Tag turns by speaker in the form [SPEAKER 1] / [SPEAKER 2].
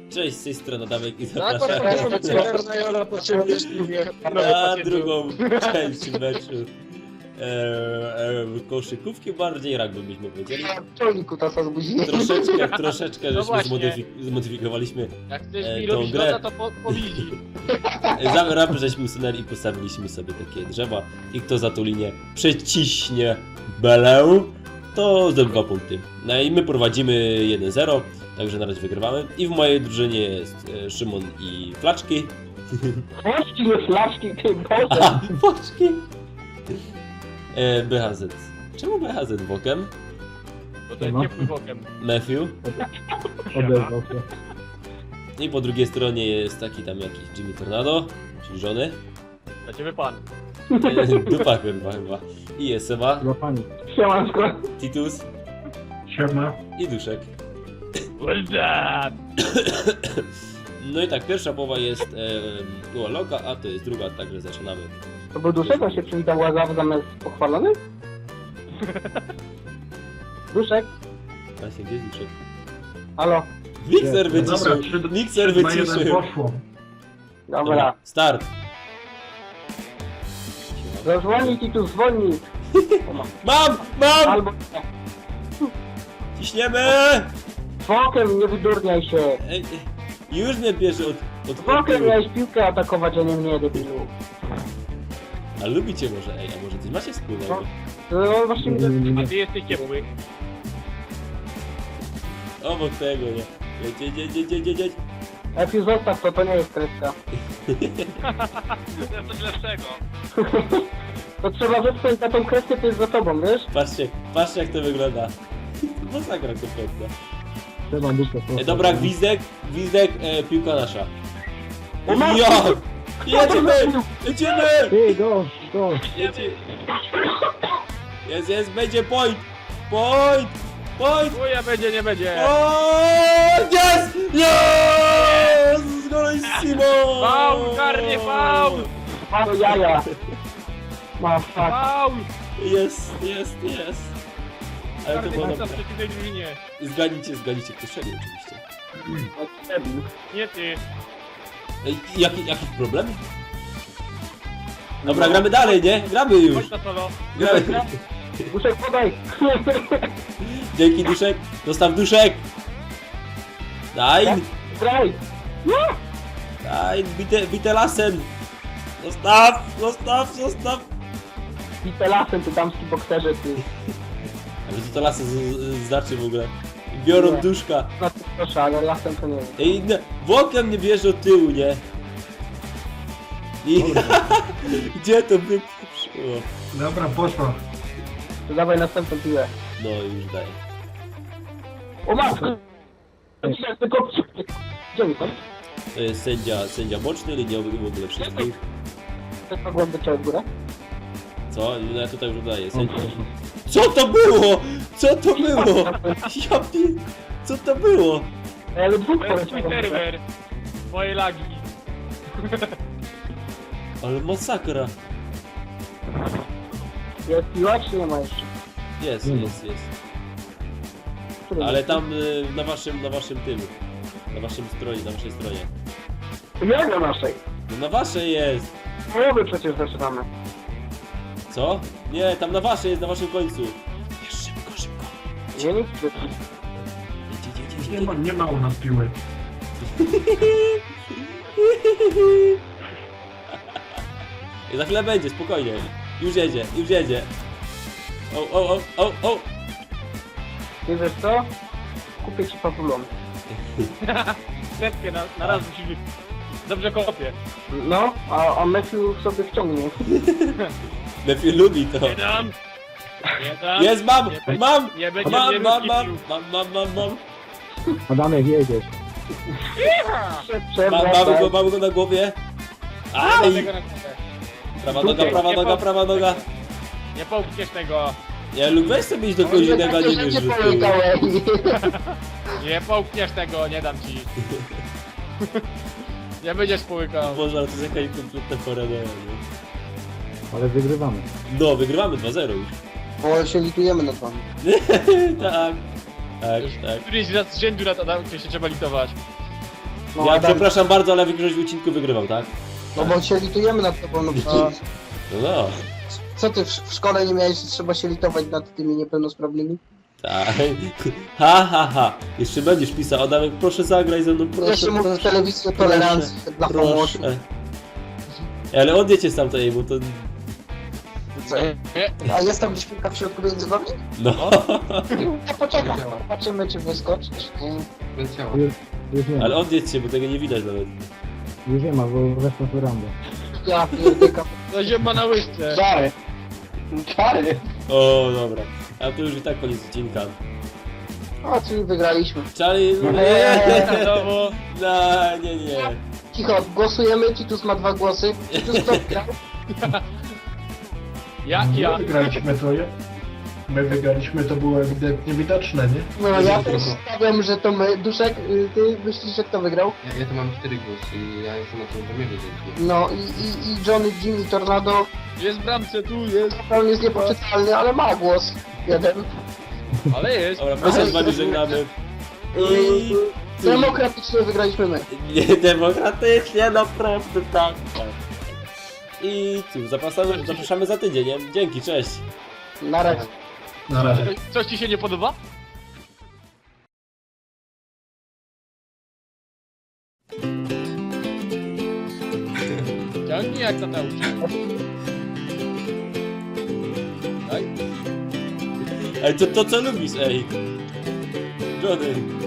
[SPEAKER 1] Cześć, z tej strony Adamek i
[SPEAKER 2] Tak,
[SPEAKER 1] zapraszam
[SPEAKER 2] Jola potrzebuje
[SPEAKER 1] na drugą część meczu koszykówki, bardziej rugby byśmy powiedzieli.
[SPEAKER 2] Czolniku tasa zbudziłem.
[SPEAKER 1] Troszeczkę
[SPEAKER 3] No
[SPEAKER 1] żeśmy
[SPEAKER 3] właśnie.
[SPEAKER 1] zmodyfikowaliśmy
[SPEAKER 3] Jak chcesz mi
[SPEAKER 1] tą
[SPEAKER 3] robić
[SPEAKER 1] grę.
[SPEAKER 3] loda, to powili.
[SPEAKER 1] Rapy żeśmy usunęli i postawiliśmy sobie takie drzewa i kto za tą linię przeciśnie belę, to zdobywa punkty. No i my prowadzimy 1-0, także na razie wygrywamy. I w mojej drużynie jest Szymon i Flaczki.
[SPEAKER 2] Flaczki, nie flaczki, ty Boże.
[SPEAKER 1] Aha, Flaczki! BHZ. Czemu BHZ bokiem?
[SPEAKER 3] Bo to jest ciepły bokiem.
[SPEAKER 1] Matthew.
[SPEAKER 4] Odezwał się.
[SPEAKER 1] I po drugiej stronie jest taki tam jakiś Jimmy Tornado, czyli żony.
[SPEAKER 3] Dla ciebie pan.
[SPEAKER 1] Dupa chyba. I jest Seba,
[SPEAKER 4] Dla pani.
[SPEAKER 2] Siemanko.
[SPEAKER 1] Titus
[SPEAKER 4] Siema.
[SPEAKER 1] i Duszek.
[SPEAKER 3] What's that?
[SPEAKER 1] No i tak, pierwsza połowa jest była loka, a to jest druga, także zaczynamy.
[SPEAKER 2] To był Duszek, on się przywitał łazaw zamiast pochwalony? Duszek?
[SPEAKER 1] Właśnie, gdzie jest Duszek?
[SPEAKER 2] Halo?
[SPEAKER 1] Mikser
[SPEAKER 4] Jest.
[SPEAKER 1] wyciszył! Mikser wyciszył!
[SPEAKER 4] Poszło.
[SPEAKER 2] Dobra.
[SPEAKER 1] Start!
[SPEAKER 2] Zadzwonić i tu zwolnić.
[SPEAKER 1] Mam!
[SPEAKER 2] Albo
[SPEAKER 1] Ciśniemy!
[SPEAKER 2] bokiem, nie wydurniaj się.
[SPEAKER 1] Ej, już mnie bierze od
[SPEAKER 2] Bokiem
[SPEAKER 1] tyłu.
[SPEAKER 2] miałeś piłkę atakować, a nie mnie, debilu.
[SPEAKER 1] A lubicie może, a może coś macie wspólnego?
[SPEAKER 2] No właśnie mi to...
[SPEAKER 3] A ty jesteś ciepły.
[SPEAKER 1] Obok tego, nie? Jedź.
[SPEAKER 2] Epiu, zostaw to, to nie jest kreska.
[SPEAKER 3] To jest coś lepszego.
[SPEAKER 2] To trzeba zepchnąć na tą kreskę, to jest za tobą, wiesz?
[SPEAKER 1] Patrzcie jak to wygląda. Masakra kompletna.
[SPEAKER 4] Trzeba dupę.
[SPEAKER 1] Dobra, gwizdek, piłka nasza.
[SPEAKER 2] O, mam-
[SPEAKER 1] Ja! Jedziemy!
[SPEAKER 4] Ty, go.
[SPEAKER 1] Jest, będzie point!
[SPEAKER 3] Chuja będzie, nie będzie.
[SPEAKER 1] Jest! Jest! Golissimo!
[SPEAKER 3] Faul, karnie, faul!
[SPEAKER 2] Mało jaja. Ma fuck.
[SPEAKER 3] Faul!
[SPEAKER 1] Jest. Ale to
[SPEAKER 3] Karnie
[SPEAKER 1] było
[SPEAKER 3] masa w
[SPEAKER 1] dobre.
[SPEAKER 3] przeciwnej drużynie.
[SPEAKER 1] Zgadnijcie, kto strzelił oczywiście.
[SPEAKER 3] Nie ty.
[SPEAKER 1] Ej, jaki problem? Dobra, gramy dalej, nie? Gramy już!
[SPEAKER 3] Chodź na solo.
[SPEAKER 1] Gramy.
[SPEAKER 2] Duszek, podaj.
[SPEAKER 1] Dzięki Duszek, zostaw Duszek! Daj,
[SPEAKER 2] Graj.
[SPEAKER 1] bite lasem! Zostaw!
[SPEAKER 2] Bite lasem, ty damski bokserze, ty.
[SPEAKER 1] Ale co to lasy znaczy w ogóle? Biorą
[SPEAKER 2] Nie.
[SPEAKER 1] Duszka.
[SPEAKER 2] No to proszę, ale lasem to nie wiem.
[SPEAKER 1] Ej, włokiem mnie bierze od tyłu, nie? I... Gdzie to wypieprzyło?
[SPEAKER 4] Dobra, poszło.
[SPEAKER 2] To dawaj następną piłę.
[SPEAKER 1] No już daję.
[SPEAKER 2] O matko! Tylko... Gdzie mi to?
[SPEAKER 1] To jest sędzia boczny, liniowy i w ogóle wszystkich.
[SPEAKER 2] Też mogłem być w górę?
[SPEAKER 1] Co? No ja tutaj już daję. Co to było? Co to było? Ja pi... Co to było?
[SPEAKER 2] Ale dwóch
[SPEAKER 3] To jest twój
[SPEAKER 2] poleciałem.
[SPEAKER 3] serwer. Twoje lagi.
[SPEAKER 1] Ale masakra.
[SPEAKER 2] Jest piła, czy nie ma jeszcze?
[SPEAKER 1] Jest.
[SPEAKER 2] Który
[SPEAKER 1] Ale
[SPEAKER 2] jest?
[SPEAKER 1] tam na waszym tym. Na waszej stronie.
[SPEAKER 2] Jak na naszej?
[SPEAKER 1] No na waszej jest.
[SPEAKER 2] Połowy przecież zaczynamy.
[SPEAKER 1] Co? Nie, tam na waszej jest, na waszym końcu. Wiesz, szybko.
[SPEAKER 2] Nie, nic.
[SPEAKER 1] Jedź.
[SPEAKER 4] Nie ma u nas piły.
[SPEAKER 1] I za chwilę będzie, spokojnie. Już jedzie. O.
[SPEAKER 2] Nie wiesz co? Kupię ci pawulon.
[SPEAKER 3] Setkę na raz musimy. Dobrze kopię.
[SPEAKER 2] No, a Matthew sobie wciągnie.
[SPEAKER 1] Lepiej lubi to.
[SPEAKER 3] Nie dam.
[SPEAKER 1] Jest, mam!
[SPEAKER 3] Nie będzie mnie wyskipił.
[SPEAKER 1] Mam.
[SPEAKER 4] Adamek, jedziesz.
[SPEAKER 1] Mamy go na głowie. Aj!
[SPEAKER 3] Tego na głowę.
[SPEAKER 1] Prawa noga.
[SPEAKER 3] Nie połkniesz tego.
[SPEAKER 1] Ja lub weź sobie iść do kogoś innego, a nie wiesz, że tyłu.
[SPEAKER 3] Nie połkniesz tego, nie dam ci. Nie będziesz połykał.
[SPEAKER 1] Boże, ale to jest jakaś kompletna paradoja, nie?
[SPEAKER 4] Ale wygrywamy.
[SPEAKER 1] No, wygrywamy 2-0 już.
[SPEAKER 2] Bo się litujemy nad wami.
[SPEAKER 1] Tak.
[SPEAKER 3] Któryś raz z rzędu lat Adam, się trzeba litować.
[SPEAKER 5] No,
[SPEAKER 1] Ja
[SPEAKER 5] Adam,
[SPEAKER 1] przepraszam bardzo, ale w jakimś odcinku wygrywam, tak?
[SPEAKER 5] no bo się litujemy nad tobą, no przecież.
[SPEAKER 1] No.
[SPEAKER 5] Co ty w szkole nie miałeś, że trzeba się litować nad tymi niepełnosprawnymi?
[SPEAKER 1] Tak. Ha. Jeszcze będziesz pisał, Adamek, proszę zagraj ze mną, proszę.
[SPEAKER 5] Ja się mówi w telewizji o tolerancji dla pomocy.
[SPEAKER 1] Proszę. Ale odjedźcie stamtąd, bo to...
[SPEAKER 5] A jest tam gdzieś piłka w środku między wami?
[SPEAKER 1] No.
[SPEAKER 5] Ja poczekam, zobaczymy czy wyskoczysz.
[SPEAKER 4] Już nie ma.
[SPEAKER 1] Ale odjedźcie, bo tego nie widać nawet.
[SPEAKER 4] Już nie ma, bo weszło w randę.
[SPEAKER 5] Ja pierdykam.
[SPEAKER 3] To ziemba na łyżce.
[SPEAKER 2] Czary. Czary.
[SPEAKER 1] O, dobra. A to już i tak koniec odcinka.
[SPEAKER 5] A, czyli wygraliśmy.
[SPEAKER 1] Charlie...
[SPEAKER 3] Znowu.
[SPEAKER 1] No, nie.
[SPEAKER 5] Cicho, głosujemy, Titus ma 2 głosy. Titus kto wygrał?
[SPEAKER 3] Ja.
[SPEAKER 4] My wygraliśmy, to było ewidentnie widoczne, nie?
[SPEAKER 5] No ja też stawiam, że to my. Duszek, ty myślisz, że kto wygrał?
[SPEAKER 6] Ja tu mam 4 głosy i ja jestem na tym premierze dzięki.
[SPEAKER 5] No i Johnny, Jimmy, Tornado,
[SPEAKER 3] Jest w bramce, tu jest.
[SPEAKER 5] on jest niepoczytalny, ale ma głos. Jeden.
[SPEAKER 3] Ale jest.
[SPEAKER 1] Dobra, my się z wami żegnamy. I...
[SPEAKER 5] Demokratycznie wygraliśmy my.
[SPEAKER 1] Niedemokratycznie, naprawdę tak. I cóż, zapraszamy za tydzień, nie? Dzięki, cześć.
[SPEAKER 5] Na razie.
[SPEAKER 4] Na razie.
[SPEAKER 3] Coś ci się nie podoba? Ciągnij jak tata uczy. Daj.
[SPEAKER 1] Ej, to co lubisz, ej? Johnny.